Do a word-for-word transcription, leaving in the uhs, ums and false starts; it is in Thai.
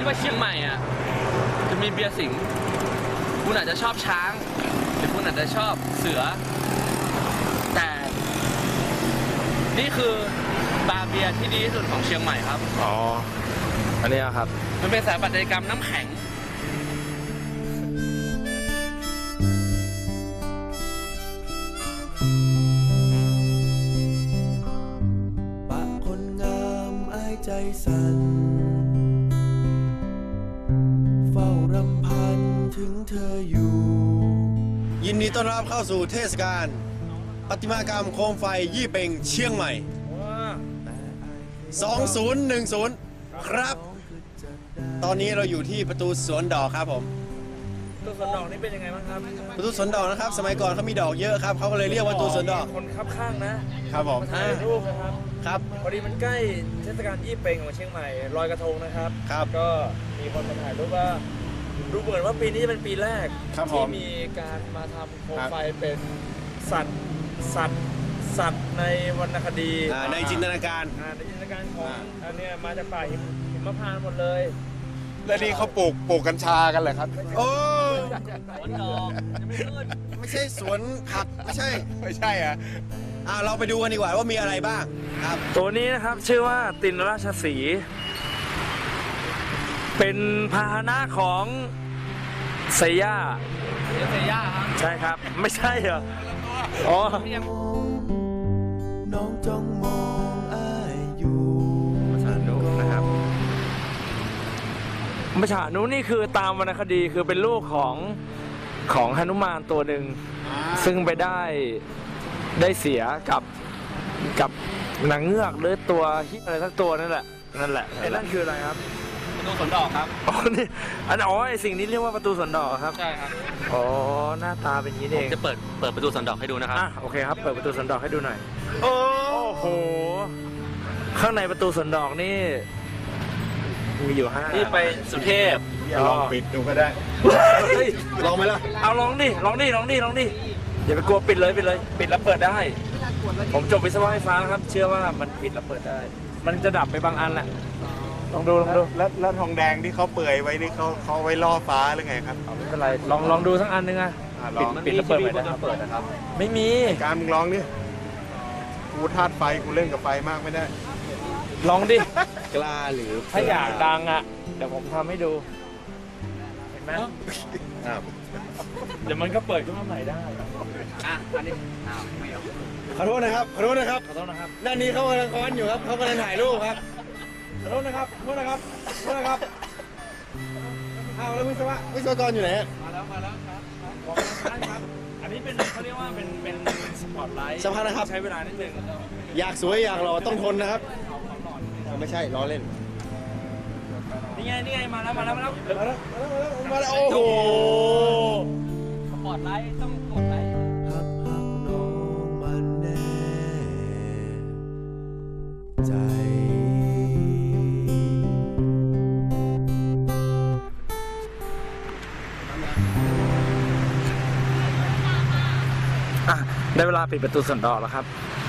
ดว่าเชียงใหม่อ่ะจะมีเบียร์สิงห์คุณอาจจะชอบช้างหรือคุณอาจจะชอบเสือแต่นี่คือบาร์เบียร์ที่ดีที่สุดของเชียงใหม่ครับอ๋ออันนี้ครับมันเป็นสถาปัตยกรรมน้ำแข็งปะคนงามอ้ายใจสั่นเฝ้ารำพันถึงเธออยู่ยินดีต้อนรับเข้าสู่เทศกาลประติมากรรมโคมไฟยี่เป่งเชียงใหม่สองพันสิบครับตอนนี้เราอยู่ที่ประตูสวนดอกครับผมประตูสวนดอกนี่เป็นยังไงบ้างครับประตูสวนดอกนะครับสมัยก่อนเขามีดอกเยอะครับเขาก็เลยเรียกว่าประตูสวนดอกคนคับข้างนะครับผมถ่ายรูปนะครับครับพอดีมันใกล้เทศกาลยี่เป่งของเชียงใหม่ลอยกระทงนะครับครับก็มีคนมาถ่ายรูปว่าดูเหมือนว่าปีนี้จะเป็นปีแรกที่มีการมาทำโคมไฟเป็นสัตว์สัตว์สัตว์ในวรรณคดีในจินตนาการในจินตนาการของอันนี้มาจากป่าหิมพานต์หมดเลยแล้วนี่เขาปลูกปลูกกัญชากันเหรอครับโอ้สวนดอกยังไม่ขึ้นไม่ใช่สวนผักไม่ใช่ไม่ใช่อ่ะอ่าเราไปดูกันดีกว่าว่ามีอะไรบ้างครับตัวนี้นะครับชื่อว่าตินราชสีห์เป็นพาหนะของเซย่าเซย่าครับใช่ครับไม่ใช่เหรออ๋อน้องจ้องมองอ้ายอยู่มชานุนะครับมชานุนี่คือตามวรรณคดีคือเป็นลูกของของหนุมานตัวหนึ่งซึ่งไปได้ได้เสียกับกับนางเงือกหรือตัวฮิอะไรสักตัวนั่นแหละนั่นแหละไอ้นั่นคืออะไรครับประตูสวนดอกครับอ๋อนี่อันอ๋อไอสิ่งนี้เรียกว่าประตูสวนดอกครับใช่ครับอ๋อหน้าตาเป็นอย่างนี้เองจะเปิดเปิดประตูสวนดอกให้ดูนะครับอ่ะโอเคครับเปิดประตูสวนดอกให้ดูหน่อยโอ้โหข้างในประตูสวนดอกนี่มีอยู่ห้านี่ไปสุเทพลองปิดดูก็ได้ลองไหมล่ะเอาลองดิลองดิลองดิลองดิอย่าไปกลัวปิดเลยปิดเลยปิดแล้วเปิดได้ผมจบวิศวะไฟฟ้าครับเชื่อว่ามันปิดแล้วเปิดได้มันจะดับไปบางอันแหละลองดูลองดูแล้วแล้วทองแดงที่เขาเปื่อยไว้นี่เขาเขาไว้ล่อฟ้าหรือไงครับไม่เป็นไรลองลองดูสักอันนึงอ่ะปิดปิดแล้วเปิดไปนะครับเปิดนะครับไม่มีการมึงลองดิกูธาตุไฟกูเล่นกับไฟมากไม่ได้ลองดิกล้าหรือถ้าอยากดังอ่ะเดี๋ยวผมทำให้ดูเห็นไหมเดี๋ยวมันก็เปิดขึ้นมาใหม่ได้อ่ะอันนี้อ้าวไม่เอาขอโทษนะครับขอโทษนะครับขอโทษนะครับด้านนี้เขากำลังค้อนอยู่ครับเขากำลังถ่ายรูปครับขอโทษนะครับขอโทษนะครับขอโทษนะครับอ้าวแล้ววิศวะวิศวกรอยู่ไหนมาแล้วมาแล้วครับครับอันนี้เป็นเขาเรียกว่าเป็นเป็นสปอตไลท์สำคัญนะครับใช้เวลานิดนึงอยากสวยอยากหล่อต้องทนนะครับไม่ใช่ล้อเล่นนี่ไงนี่ไงมาแล้วมาแล้วมาแล้วมาแล้วมาแล้วโอ้โหสปอตไลท์ต้องกดไลค์ฮักฮักน้องมันแน่ใจได้เวลาปิดประตูสวนดอกแล้วครับ